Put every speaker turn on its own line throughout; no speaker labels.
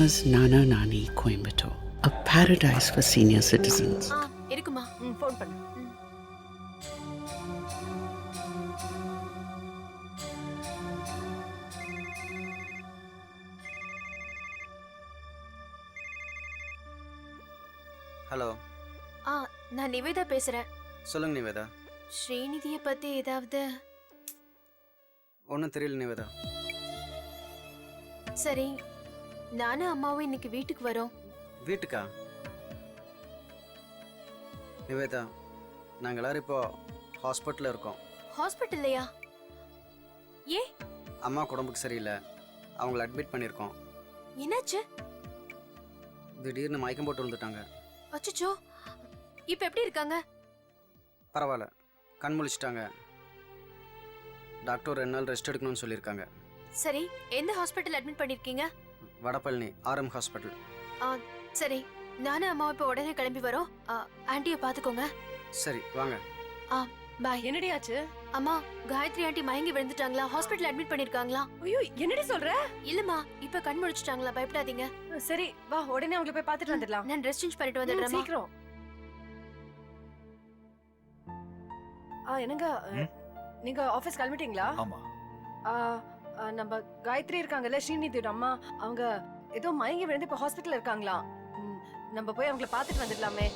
Nana's Nana Nani Coimbatore, a paradise for senior citizens.
இருக்குமா phone பண்ணு.
Hello.
நான் நிவேதா பேசுறேன்.
சொல்லுங்க நிவேதா.
ஸ்ரீநிதியை பத்தி ஏதாவது?
ஒன்றும் தெரியல நிவேதா.
சரி, நானும் அம்மாவும் இன்னைக்கு வீட்டுக்கு வரோம்.
வீட்டுக்கா? நிவேதா, நாங்கள் எல்லாரும் இப்போ ஹாஸ்பிட்டலில் இருக்கோம்.
ஹாஸ்பிட்டல்லையா? ஏ?
அம்மா உடம்புக்கு சரியில்லை, அவங்கள அட்மிட் பண்ணியிருக்கோம்.
என்னாச்சு?
திடீர்னு மயக்கம் போட்டு விழுந்துட்டாங்க.
அச்சச்சோ, இப்போ எப்படி இருக்காங்க?
பரவாயில்ல, கண் முழிச்சிட்டாங்க. டாக்டர் 2 நாள் ரெஸ்ட் எடுக்கணும்னு சொல்லியிருக்காங்க.
சரி, எந்த ஹாஸ்பிட்டல் அட்மிட் பண்ணிருக்கீங்க?
Vadapalani RM hospital.
சரி, நானும் அம்மாவும் இப்போ உடனே கிளம்பி வரோம். ஆண்டியை பார்த்துக்கோங்க.
சரி வாங்க.
பாய்.
என்னடி ஆச்சு?
அம்மா, காயத்ரி ஆண்டி மயங்கி விழுந்துட்டாங்களா? Hospital admit பண்ணிருக்காங்களா?
ஐயோ, என்னடி சொல்ற?
இல்லம்மா, இப்ப கண் முழிச்சிட்டாங்களா? பயப்படாதீங்க.
சரி வா, உடனே அவங்கள போய் பார்த்துட்டு வந்துடலாம்.
நான் ட்ரெஸ் சேஞ்ச் பண்ணிட்டு வந்துடுறேன்.
சீக்கிரம். என்னங்க, நீங்க ஆபீஸ் கிளம்பிட்டீங்களா?
ஆமா.
நம்ம காயத்ரி இருக்காங்கல்ல, ஸ்ரீநிதியோட அம்மா, அவங்க ஏதோ மயங்கி விழுந்து இப்ப ஹாஸ்பிட்டல்ல இருக்காங்களா? நம்ம போய் அவங்கள பார்த்துட்டு வந்துடலாமே.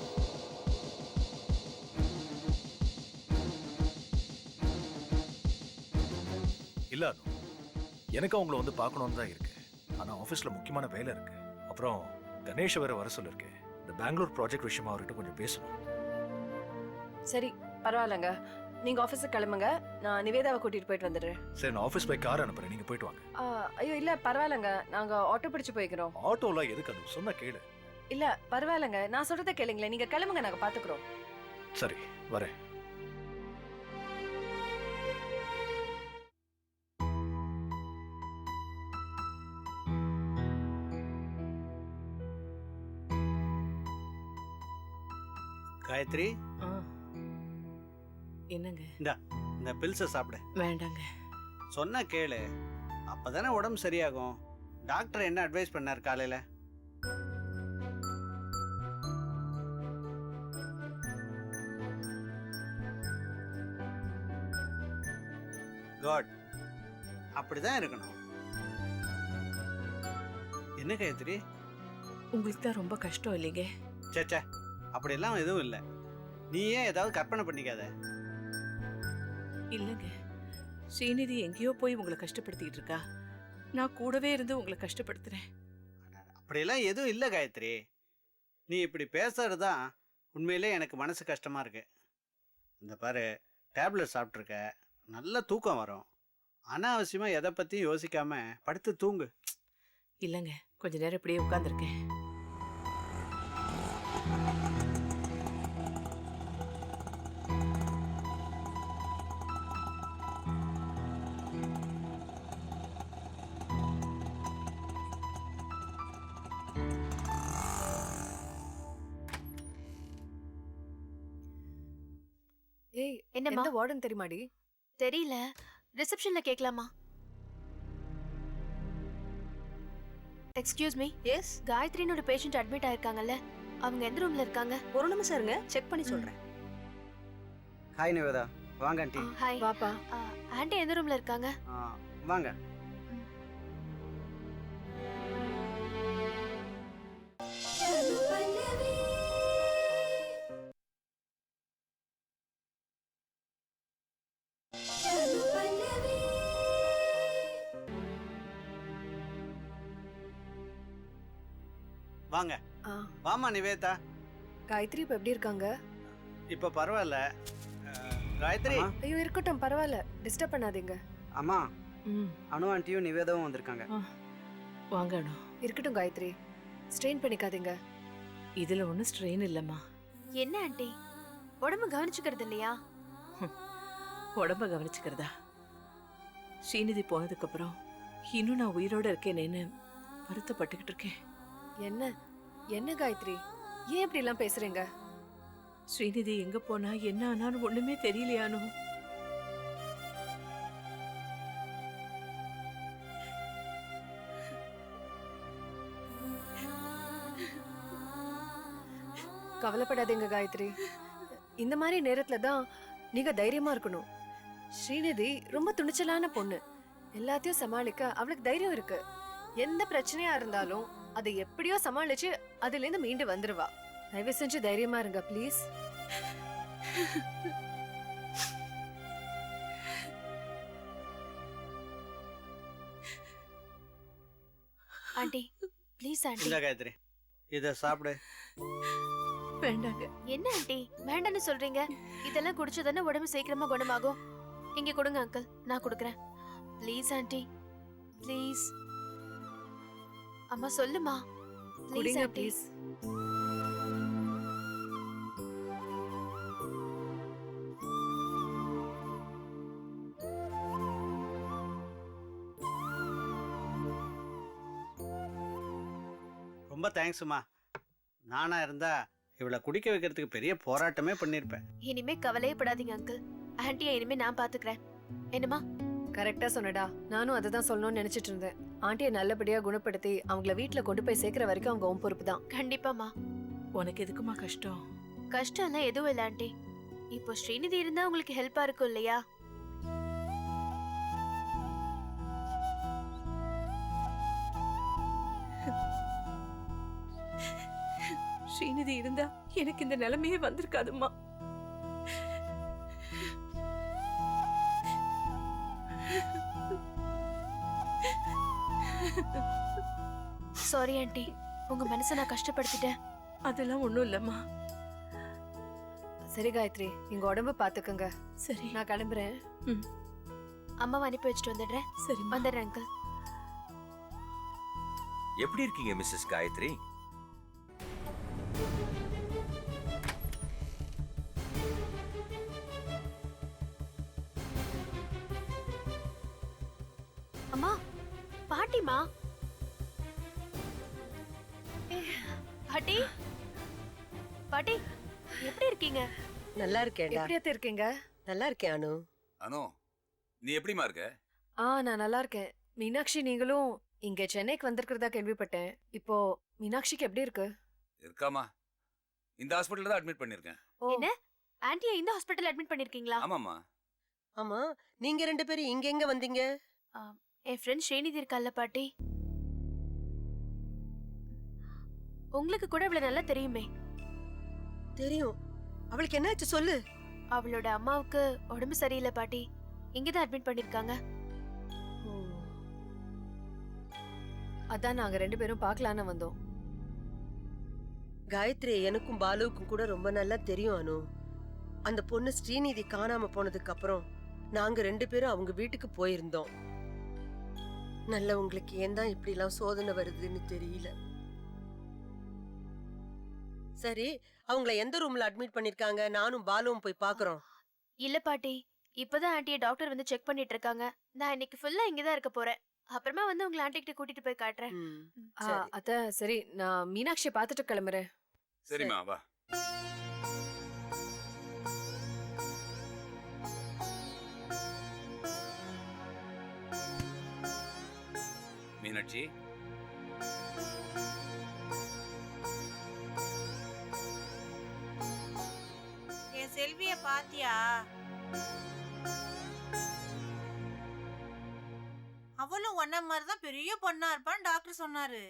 இல்ல, எனக்கு அவங்கள வந்து பார்க்கணும்னு தான் இருக்கு. ஆனா ஆபீஸ்ல முக்கியமான வேலை இருக்கு. அப்புறம் கணேஷ் வேற வர சொல்லிருக்கு. இந்த பெங்களூர் ப்ராஜெக்ட் விஷயமா அவர்கிட்ட கொஞ்சம் பேசணும்.
சரி, பரவாயில்லங்க, நீங்க ஆபீஸுக்கு கிளம்புங்க, நான் நிவேதாவை கூட்டிட்டு போயிட்டு வந்துடுறேன்.
சரி, நான் ஆபீஸ் போய் கார் அனுப்புறேன், நீங்க போயிட்டு வாங்க.
ஐயோ இல்ல, பரவாயில்லங்க, நாங்க ஆட்டோ பிடிச்சு போய்க்கிறோம்.
ஆட்டோலாம் எதுக்கு? அது சொன்னா கேளு.
இல்ல பரவாயில்லங்க, நான் சொல்றதை கேளுங்களேன், நீங்க கிளம்புங்க, நாங்க பாத்துக்கிறோம்.
சரி, வரேன்.
காயத்ரி,
என்னங்க?
இந்த பில்ஸை சாப்பிடு.
வேண்டாங்க.
சொன்னா கேளு, அப்பதானே உடம்பு சரியாகும். டாக்டர் என்ன அட்வைஸ் பண்ணார் காலையில? குட், அப்படிதான் இருக்கணும். என்ன காயத்ரி?
உங்களுக்கு தான் ரொம்ப கஷ்டம் இல்லைங்க?
சேச்சே, அப்படியெல்லாம் எதுவும் இல்லை. நீ ஏன் ஏதாவது கற்பனை பண்ணிக்காத.
இல்லைங்க, ஸ்ரீநிதி எங்கேயோ போய் உங்களை கஷ்டப்படுத்திக்கிட்டு இருக்கா. நான் கூடவே இருந்து உங்களை கஷ்டப்படுத்துறேன்.
அப்படியெல்லாம் எதுவும் இல்லை காயத்ரி. நீ இப்படி பேசுறதுதான் உண்மையிலே எனக்கு மனசு கஷ்டமா இருக்கு. இந்த பாரு, டேப்லெட் சாப்பிட்ருக்க, நல்ல தூக்கம் வரும். அனாவசியமா எதை பற்றியும் யோசிக்காம படுத்து தூங்கு.
இல்லைங்க, கொஞ்ச நேரம் இப்படியே உட்காந்துருக்கேன்.
ஏய்,
என்னம்மா?
எந்த வார்டன் தெரியுமாடி?
தெரியல, ரிசப்ஷன்ல கேட்கலாமா? Excuse me.
எஸ்.
காயத்ரினோட பேஷண்ட் அட்மிட் ஆயிருக்காங்கல்ல, அவங்க எந்த ரூம்ல இருக்காங்க?
ஒரு நிமிஷம் இருங்க, செக் பண்ணி சொல்றேன்.
ஹாய் நிவேதா, வாங்க ஆண்டி.
ஹாய்.
வாப்பா.
ஆண்டி எந்த ரூம்ல இருக்காங்க?
வாங்க. வாங்க. வாமா நிவேதா.
காயத்ரி இப்ப எப்படி இருக்காங்க?
இப்ப பரவாயில்ல. காயத்ரி.
ஐயோ இருக்கட்டும், பரவாயில்ல, டிஸ்டர்ப் பண்ணாதீங்க.
அம்மா, அனு ஆண்டியும் நிவேதாவும் வந்திருக்காங்க.
வாங்க அனு.
இருக்கட்டும் காயத்ரி, ஸ்ட்ரெயின் பண்ணிக்காதீங்க.
இதுல ஒன்றும் ஸ்ட்ரெயின் இல்லைம்மா.
என்ன ஆண்டி, உடம்பு கவனிச்சுக்கிறது இல்லையா?
உடம்ப கவனிச்சுக்கிறதா? ஸ்ரீநிதி போனதுக்கு அப்புறம் இன்னும் நான் உயிரோட இருக்கேனேன்னு வருத்தப்பட்டுக்கிட்டு இருக்கேன்.
என்ன என்ன காயத்ரி, ஏன் இப்படி எல்லாம் பேசுறீங்க?
ஸ்ரீநிதி எங்க போனா என்ன ஆனான்னு ஒண்ணுமே தெரியலையானு.
கவலைப்படாதீங்க காயத்ரி. இந்த மாதிரி நேரத்துல தான் நீங்க தைரியமா இருக்கணும். ஸ்ரீநிதி ரொம்ப துணிச்சலான பொண்ணு. எல்லாத்தையும் சமாளிக்க அவளுக்கு தைரியம் இருக்கு. எந்த பிரச்சனையா இருந்தாலும் அதை எப்படியோ சமாளிச்சு அதுல இருந்து மீண்டு வந்துருவா. தயவு செஞ்சு தைரியமா இருங்க ப்ளீஸ்.
Aunty please aunty.
இந்த காயத்ரி இத சாப்பிடு.
வேண்டாங்க.
என்ன ஆண்டி வேண்டான்னு சொல்றீங்க? இதெல்லாம் குடிச்சதானே உடம்பு சீக்கிரமா குணமாகும். இங்க கொடுங்க அங்கிள், நான் கொடுக்கறேன். Please aunty please. அம்மா சொல்லுமா ப்ளீஸ்
குடிங்க
ஆண்டி.
ப்ளீஸ்.
ரொம்ப தேங்க்ஸ்மா. நானா இருந்தா இவளை குடிக்க வைக்கிறதுக்கு பெரிய போராட்டமே பண்ணிருப்பேன்.
இனிமே கவலையே படாதீங்க அங்கிள். ஆண்டியை இனிமே நான் பாத்துக்கிறேன். என்னம்மா?
கரெக்டா சொன்னடா. நானும் அதை தான் சொல்லணும்னு நினைச்சிட்டு இருந்தேன். ஆண்டியை நல்லபடியா குணப்படுத்தி அவங்கள வீட்டுல கொண்டு போய் சேர்க்கிற வரைக்கும் அவங்க உன் பொறுப்பு தான்.
கண்டிப்பாமா.
உனக்கு எதுக்குமா கஷ்டம்?
கஷ்டம் எல்லாம் எதுவும் இல்ல ஆண்டி. இப்போ ஸ்ரீநிதி இருந்தா உங்களுக்கு ஹெல்ப்பா இருக்கும் இல்லையா?
ஸ்ரீநிதி இருந்தா எனக்கு இந்த நிலைமையே வந்திருக்காதும்மா.
சாரி ஆண்டி, உங்க மனசை நான் கஷ்டப்படுத்திட்டேன்.
அதெல்லாம் ஒண்ணும் இல்லம்மா.
சரி காயத்ரி, நீங்க உடம்பு பாத்துக்கங்க.
சரி,
நான் கிளம்புறேன்.
அம்மாவை அனுப்பி வச்சுட்டு வந்துடுறேன்.
சரி
வந்துடுறேன் அங்கிள்.
எப்படி இருக்கீங்க மிஸ்ஸஸ் காயத்ரி?
அம்மா, பாட்டிமா. பாட்டி, பாட்டி எப்படி இருக்கீங்க?
நல்லா இருக்கேன்டா.
எப்படியாத்த இருக்கீங்க?
நல்லா இருக்கேன் அனு.
அனு, நீ எப்படிமா இருக்க?
நான் நல்லா இருக்கேன். மீனாட்சி நீங்களும் இங்க சென்னைக்கு வந்திருக்கிறதா கேள்விப்பட்டேன். இப்போ மீனாட்சிக்கு எப்படி இருக்கு?
இருக்காமா, இந்த ஹாஸ்பிட்டல்ல தான் அட்மிட் பண்ணிருக்கேன்.
என்ன? ஆண்டியை இந்த ஹாஸ்பிடல்ல அட்மிட் பண்ணிருக்கீங்களா?
ஆமாமா.
ஆமா, நீங்க ரெண்டு பேரும் இங்க எங்க வந்தீங்க?
என் ஃப்ரெண்ட் ஸ்ரீநிதி இருக்கால்ல பாட்டி, உங்களுக்கு கூட அவளை நல்லா தெரியுமே.
தெரியும். அவளுக்கு என்னாச்சு சொல்லு.
அவளோட அம்மாவுக்கு உடம்பு சரியில்லை பாட்டி. இங்கதான் அட்மிட் பண்ணிருக்காங்க.
அதான் நாங்க ரெண்டு பேரும் பார்க்கலான்னு வந்தோம்.
காயத்ரி எனக்கும் பாலுவுக்கும் கூட ரொம்ப நல்லா தெரியும் அனு. அந்த பொண்ணு ஸ்ரீநிதி காணாம போனதுக்கு அப்புறம் நாங்க ரெண்டு பேரும் அவங்க வீட்டுக்கு போயிருந்தோம். நல்லவங்களுக்கு ஏன் தான் இப்படி எல்லாம் சோதனை வருதுன்னு தெரியல. சரி, அவங்கள எந்த ரூம்ல அட்மிட் பண்ணிருக்காங்க? நானும் பாலுவும் போய் பாக்குறோம்.
இல்ல பாட்டி, இப்பதான் ஆண்டியை டாக்டர் வந்து செக் பண்ணிட்டு இருக்காங்க. நான் இன்னைக்கு ஃபுல்லா இங்கதான் இருக்க போறேன். அப்புறமா வந்து உங்களை ஆண்டி கிட்ட கூட்டிட்டு போய் காட்டுறேன்.
சரி.
அத்த சரி, நான் மீனாட்சியை பார்த்துட்டு கிளம்புறேன்.
சரிம்மா, வா. மீனாட்சி,
என் செல்விய பாத்தியா? அவளும் ஒன்ன மாதிரிதான் பெரிய பொண்ணா இருப்பான்னு டாக்டர் சொன்னாரு.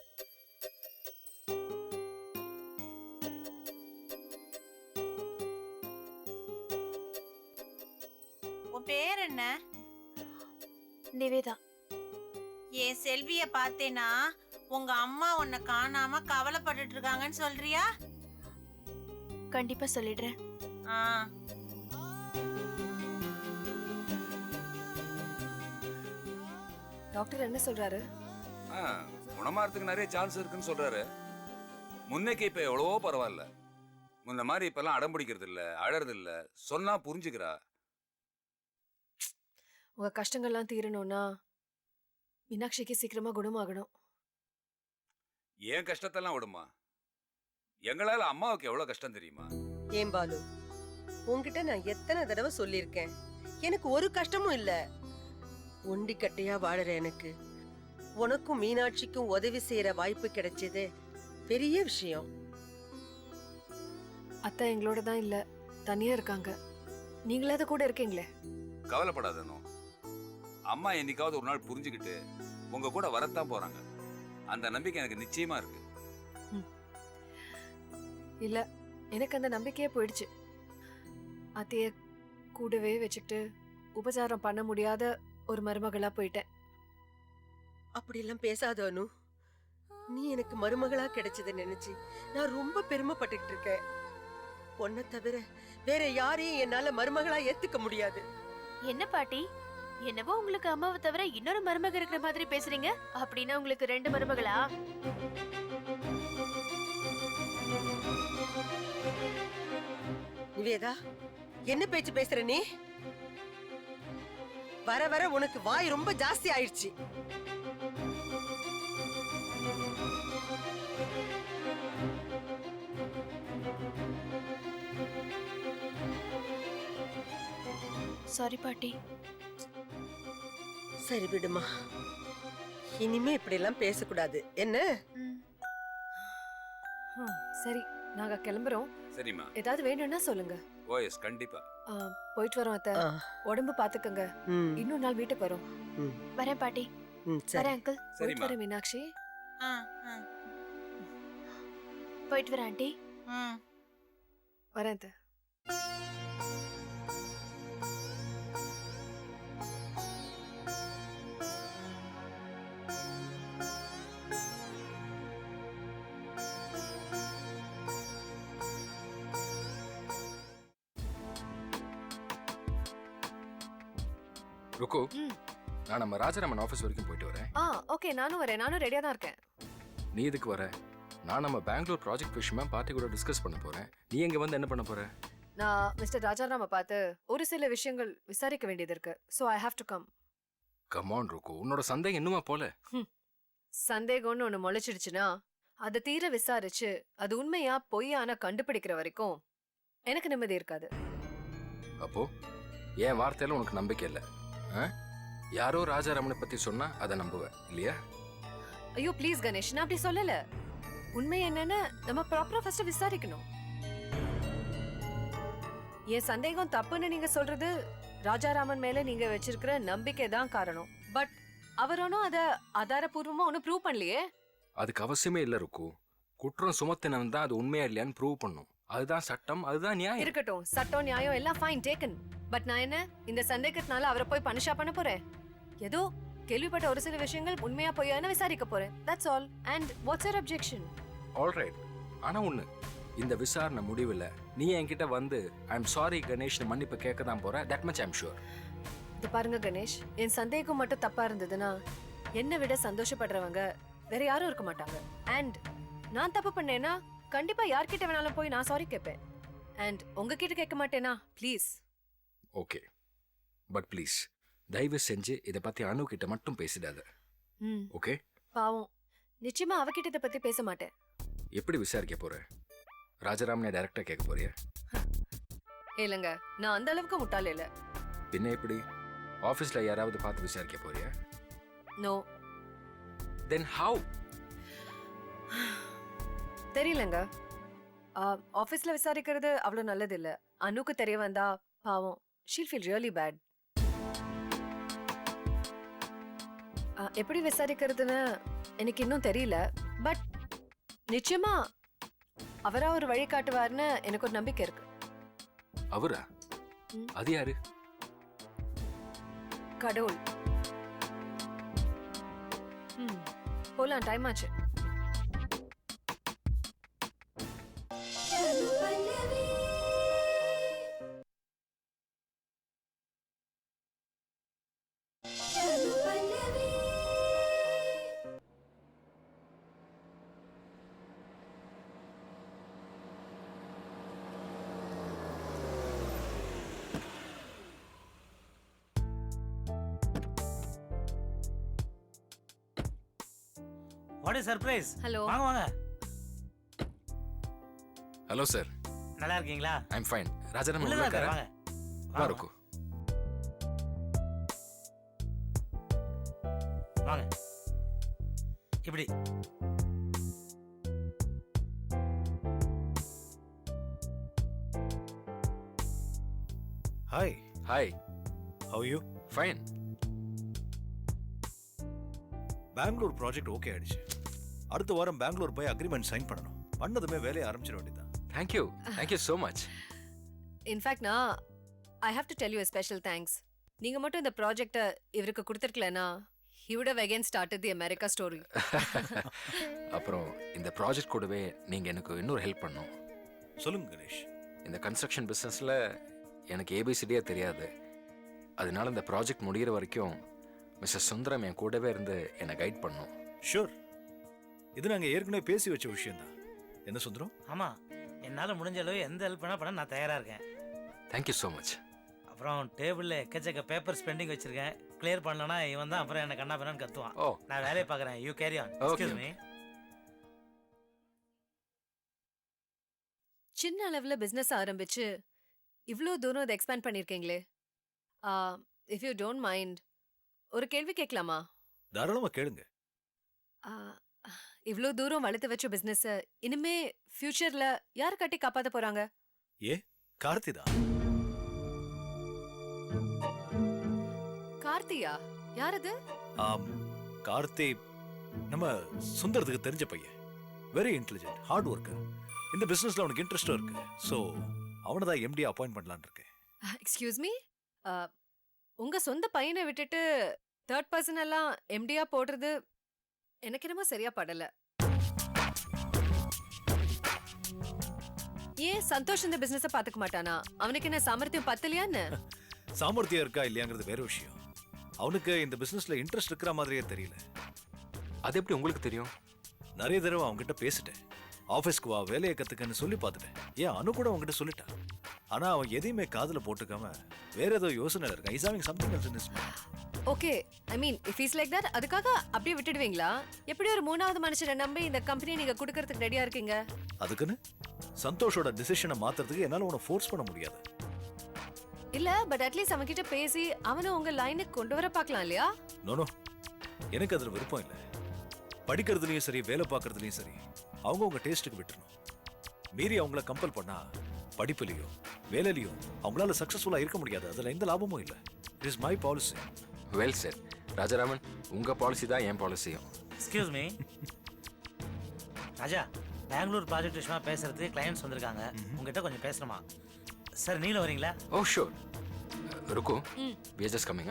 உன் பேர் என்ன?
நிவேதா.
என் செல்விய பார்த்தேனா உங்க அம்மா உன்னை காணாம கவலைப்பட்டுட்டு இருக்காங்கன்னு சொல்றியா?
கண்டிப்பா சொல்லிடுறேன்.
ஆ,
டாக்டர் என்ன சொல்றாரு?
குணமாறதுக்கு நிறைய சான்ஸ் இருக்குன்னு சொல்றாரு. முன்னைக்கு இப்ப எவ்வளவோ பரவாயில்ல. முன்ன மாதிரி இப்பெல்லாம் அடம் பிடிக்கிறது இல்ல, அழறது இல்ல, சொன்னா புரிஞ்சுக்கிறா.
உங்க கஷ்டங்கள்லாம் தீரணும்னா மீனாட்சிக்கு சீக்கிரமா குணமாகணும்.
ஏன் கஷ்டத்தெல்லாம் விடுமா? எங்களால அம்மாவுக்கு எவ்வளவு கஷ்டம் தெரியுமா?
ஏன் பாலு, உன்கிட்ட நான் எத்தனை தடவை சொல்லியிருக்கேன், எனக்கு ஒரு கஷ்டமும் இல்ல. ஒண்டி கட்டையா வாழற எனக்கு உனக்கும் மீனாட்சிக்கும் உதவி செய்யற வாய்ப்பு கிடைச்சது பெரிய விஷயம்.
அத்தை எங்களோட தான் இல்ல, தனியா இருக்காங்க. நீங்களாவது கூட இருக்கீங்களே.
கவலைப்படாதனோ, அம்மா என்னைக்காவது ஒரு நாள் புரிஞ்சுக்கிட்டு உங்க கூட வரத்தான் போறாங்க. அந்த நம்பிக்கை எனக்கு நிச்சயமா இருக்கு.
இல்ல, எனக்கு அந்த நம்பிக்கையே போயிடுச்சு. அத்தைய கூடவே வச்சுக்கிட்டு உபச்சாரம் பண்ண முடியாத ஒரு மருமகளா போயிட்டேன்.
அப்படியெல்லாம் பேசாத அனு. நீ எனக்கு மருமகளா கிடைச்சதை நினைச்சு நான் ரொம்ப பெருமைப்பட்டுக்கிட்டு இருக்கேன். உன்னை தவிர வேற யாரையும் என்னால மருமகளா ஏத்துக்க முடியாது.
என்ன பாட்டி, என்னவோ உங்களுக்கு அம்மாவை தவிர இன்னொரு மருமக இருக்கிற மாதிரி பேசுறீங்க. அப்படின்னா உங்களுக்கு 2 மருமகளா?
நிவேதா, என்ன பேச்சு பேசுற நீ? வர வர உனக்கு வாய் ரொம்ப ஜாஸ்தி ஆயிடுச்சு.
சாரி பாட்டி.
சரி விடுமா, இனிமே இப்படி எல்லாம் பேசக்கூடாது என்ன?
சரி, நாங்க கிளம்புறோம்.
சரிம்மா.
ஏதாவது வேணும்னா சொல்லுங்க.
ஓ எஸ், கண்டிப்பா.
போயிட்டு வரோம் அத்தை. உடம்பு பாத்துக்கங்க. இன்னொரு நாள் வீட்டுக்கு வரோம்.
வரேன் பாட்டி.
சரி.
வரேன் அங்கிள்.
போயிட்டு வரேன் மீனாட்சி.
போயிட்டு வரேன் ஆண்டி.
வரேன் அத்தை.
ருக்கு, நான் நம்ம ராஜராமன் ஆஃபீஸ் வரைக்கும் போயிட்டு வரேன்.
ஓகே, நானும் வரேன். நானும் ரெடியா தான் இருக்கேன்.
நீ எதுக்கு வர? நான் நம்ம பெங்களூர் ப்ராஜெக்ட் விஷயமா பார்ட்டி கூட டிஸ்கஸ் பண்ண போறேன். நீ எங்க வந்து என்ன பண்ண போற?
நான் மிஸ்டர் ராஜாராம பார்த்து ஒரு சில விஷயங்கள் விசாரிக்க வேண்டியது இருக்கு. So I have to come.
Come on ருக்கு, உன்னோட சந்தேகம் இன்னுமா போல?
சந்தேகம்னு ஒண்ணு முளைச்சிடுச்சுன்னா அதை தீர விசாரிச்சு அது உண்மையா பொய்யான கண்டுபிடிக்கிற வரைக்கும் எனக்கு நிம்மதி இருக்காது.
அப்போ என் வார்த்தையில உனக்கு நம்பிக்கை இல்லை? யாரோ ராஜாராமனை பத்தி சொன்னா அதை நம்புவேன் இல்லையா?
ஐயோ ப்ளீஸ் கணேஷ், நான் அப்படி சொல்லல. உண்மை என்னன்னு நம்ம ப்ராப்பரா ஃபர்ஸ்ட் விசாரிக்கணும். என் சந்தேகம் தப்புன்னு நீங்க சொல்றது ராஜாராமன் மேல நீங்க வச்சிருக்கிற நம்பிக்கை தான் காரணம். பட் அவரோனும் அத ஆதாரபூர்வமா ஒன்னும் ப்ரூவ் பண்ணலையே.
அதுக்கு அவசியமே இல்ல ருக்கு. குற்றம் சுமத்தினவன் தான் அது உண்மையா இல்லையான்னு ப்ரூவ் பண்ணும். அதுதான் சட்டம், அதுதான் நியாயம்.
இருக்கட்டும், சட்டம் நியாயம் எல்லாம் ஃபைன் டேக்கன். பட் நான் என்ன இந்த சந்தேகத்தினால அவரை போய் பனிஷா பண்ண போறேன்? ஏதோ கேள்விப்பட்ட ஒரு சில விஷயங்கள் உண்மையா பொய்யான்னு விசாரிக்க போறேன். That's all. And what's your objection?
Alright. ஆனா ஒண்ணு, இந்த விசாரணை முடிவில் நீ என்கிட்ட வந்து ஐ எம் சாரி கணேஷ்னு மன்னிப்பு கேட்க தான் போற. That much I am sure.
இது பாருங்க கணேஷ், என் சந்தேகம் மட்டும் தப்பா இருந்ததுன்னா என்னை விட சந்தோஷப்படுறவங்க வேற யாரும் இருக்க மாட்டாங்க. அண்ட் நான் தப்பு பண்ணேன்னா கண்டிப்பா யார்கிட்ட வேணாலும் போய் நான் சாரி கேட்பேன். அண்ட் உங்ககிட்ட கேட்க மாட்டேனா? ப்ளீஸ்.
ஓகே, பட் ப்ளீஸ் தயவு செஞ்சு இதை பத்தி அனு கிட்ட மட்டும் பேசிடாத. ஓகே?
பாவம், நிச்சயமா அவகிட்ட இதை பத்தி பேச மாட்டேன்.
எப்படி விசாரிக்க போற? ராஜாராமனை டைரக்டா கேட்க போறியா?
இல்லங்க, நான் அந்த அளவுக்கு முட்டாள் இல்ல.
பின்ன எப்படி? ஆபீஸ்ல யாராவது பார்த்து விசாரிக்க போறியா?
நோ.
Then how?
தெரியலங்க. ஆபீஸ்ல விசாரிக்கிறது அவ்வளவு நல்லது இல்ல. அனுக்கு தெரிய வந்தா பாவம், she'll feel really bad. எப்படி விசாரிக்கிறதுன்னு எனக்கு இன்னும் தெரியல. பட் நிச்சயமா அவரா ஒரு வழி காட்டுவார்னு எனக்கு ஒரு நம்பிக்கை இருக்கு.
அவரா? அது யாரு?
கடவுள். போலாம், டைம் ஆச்சு.
What is surprise.
ஹலோ.
வாங்க வாங்க.
Hello sir.
நல்லா இருக்கீங்களா?
ஐ அம் ஃபைன். ராஜாராமன்
உள்ள
இருக்காரா?
வாங்க.
வா ருக்கு.
வாங்க. இப்படி.
Hi,
hi,
how you?
Fine.
Bangalore project okay ஆயிடுச்சு. அடுத்த வாரம் பெங்களூர் போய் அக்ரிமெண்ட் சைன் பண்ணணும். பண்ணதுமே வேலையை ஆரம்பிச்சிட வேண்டியதான்.
Thank you so much.
இன்ஃபேக்ட் நான் I have to tell you a special thanks. நீங்க மட்டும் இந்த ப்ராஜெக்ட்டை இவருக்கு கொடுத்துருக்கலனா he would have again started the America story.
அப்புறம் இந்த ப்ராஜெக்ட் கூடவே நீங்கள் எனக்கு இன்னொரு ஹெல்ப் பண்ணணும்.
சொல்லுங்க கணேஷ்.
இந்த கன்ஸ்ட்ரக்ஷன் பிஸ்னஸில் எனக்கு ஏபிசிடியே தெரியாது. அதனால இந்த ப்ராஜெக்ட் முடிகிற வரைக்கும் மிஸ்டர் சுந்தரம் என் கூடவே இருந்து என்னை கைட் பண்ணணும்.
ஷூர். இது நாங்கள் ஏற்கனவே பேசி வச்ச விஷயம்தான். என்ன சுந்தரம்?
ஆமாம், என்னால் முடிஞ்ச அளவு எந்த ஹெல்ப் பண்ண நான் தயாராக இருக்கேன்.
Thank you so much.
அப்புறம் டேபிளில் எக்கச்சக்க பேப்பர்ஸ் பெண்டிங் வச்சிருக்கேன். கிளியர் பண்ணலன்னா இவன் தான் அப்புறம் என்ன கண்ணா பண்ணான்னு கத்துவான்.
ஓ,
நான் வேலையை பார்க்குறேன். You carry on.
Okay.
Excuse me.
சின்ன அளவுல பிசினஸ் ஆரம்பிச்சு இவ்ளோ தூரம் அதை எக்ஸ்பேண்ட் பண்ணிருக்கீங்களே. இஃப் யூ டோன்ட் மைண்ட் ஒரு கேள்வி கேட்கலாமா?
தாராளமா கேளுங்க.
இவ்ளோ தூரம் வளர்த்து வச்ச பிசினஸ் இனிமே ஃபியூச்சர்ல யார் கட்டி காப்பாத்த போறாங்க?
கார்த்திதா.
கார்த்தியா? யார் அது?
கார்த்தி நம்ம சுந்தரத்துக்கு தெரிஞ்ச பையன். Very intelligent, hard worker. இந்த பிசினஸ்ல அவனுக்கு இன்ட்ரெஸ்டும் இருக்கு. ஸோ அவனை தான் எம்டி அப்பாயிண்ட் பண்ணலான்னு இருக்கேன்.
எக்ஸ்கியூஸ் மீ, உங்க சொந்த பையனை விட்டுட்டு தேர்ட் பர்சன் எல்லாம் எம்டியா போடுறது எனக்கு என்னமோ சரியா படல. ஏன் சந்தோஷ் இந்த பிசினஸ பாத்துக்க மாட்டானா? அவனுக்கு என்ன சாமர்த்தியம் பத்தலையான்னு?
சாமர்த்தியம் இருக்கா இல்லையாங்கிறது வேற விஷயம். அவனுக்கு இந்த பிசினஸ்ல இன்ட்ரெஸ்ட் இருக்கிற மாதிரியே தெரியல.
அது எப்படி உங்களுக்கு தெரியும்?
நிறைய தடவை அவன்கிட்ட பேசிட்டேன். ஆஃபீஸ்க்கு வா, வேலையை கத்துக்கன்னு சொல்லி பார்த்துட்டேன். ஏன் அனு கூட அவன்கிட்ட சொல்லிட்டான். ஆனா அவன் எதையுமே காதுல போட்டுக்காம வேற ஏதோ யோசனை இருக்கான். Is having something else in his mind.
Okay, I mean if is like that அதுக்காக அப்படியே விட்டுடுவீங்களா? எப்படி ஒரு மூணாவது மனுஷனை நம்பி இந்த கம்பெனி நீங்க கொடுக்கறதுக்கு ரெடியா இருக்கீங்க?
அதுக்குன்னு சந்தோஷோட டிசிஷனை மாத்துறதுக்கு என்னால உன்னை ஃபோர்ஸ் பண்ண முடியாது.
இல்ல, பட் அட்லீஸ்ட் அவன் கிட்ட பேசி அவனை உங்க லைனுக்கு கொண்டு வர பார்க்கலாம் இல்லையா?
நோ, எனக்கு அதுல விருப்பம் இல்லை. படிக்கிறதுலயும் சரி, வேலை பார்க்கறதுலயும் சரி, அவங்க உங்க டேஸ்ட்டுக்கு விட்டுறணும். மீறி அவங்கள கம்பல் பண்ணா படிப்புலையும் வேலையிலையும் அவங்களால சக்சஸ்ஃபுல்லா இருக்க முடியாது. அதுல எந்த லாபமும் இல்லை. It is my policy.
Well sir. Rajaraman, உங்க பாலிசி தான் என் பாலிசியும்.
Excuse me Raja, Bangalore project விஷயமா பேசுறதுக்கு கிளையன்ட்ஸ் வந்திருக்காங்க. உங்ககிட்ட கொஞ்சம் பேசணுமா? சார் நீங்களும் வரீங்களா?
Oh sure. ருக்கு, we are just coming.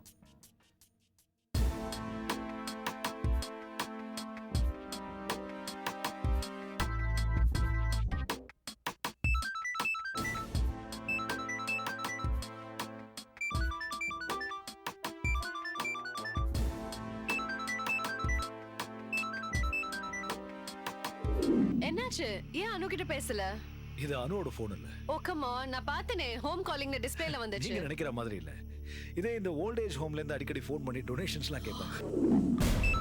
என்னாச்சு? ஏன் அனு கிட்ட பேசல?
இது அனுவோட போன் இல்ல.
ஓ கம் ஆன், நான் பார்த்தனே ஹோம் காலிங்ல டிஸ்ப்ளேல வந்துச்சு.
நீங்க நினைக்கிற மாதிரி இல்ல. இதே இந்த ஓல்ட் ஏஜ் ஹோம்ல இருந்து அடிக்கடி ஃபோன் பண்ணி டொனேஷன்ஸ்லாம் கேட்பாங்க.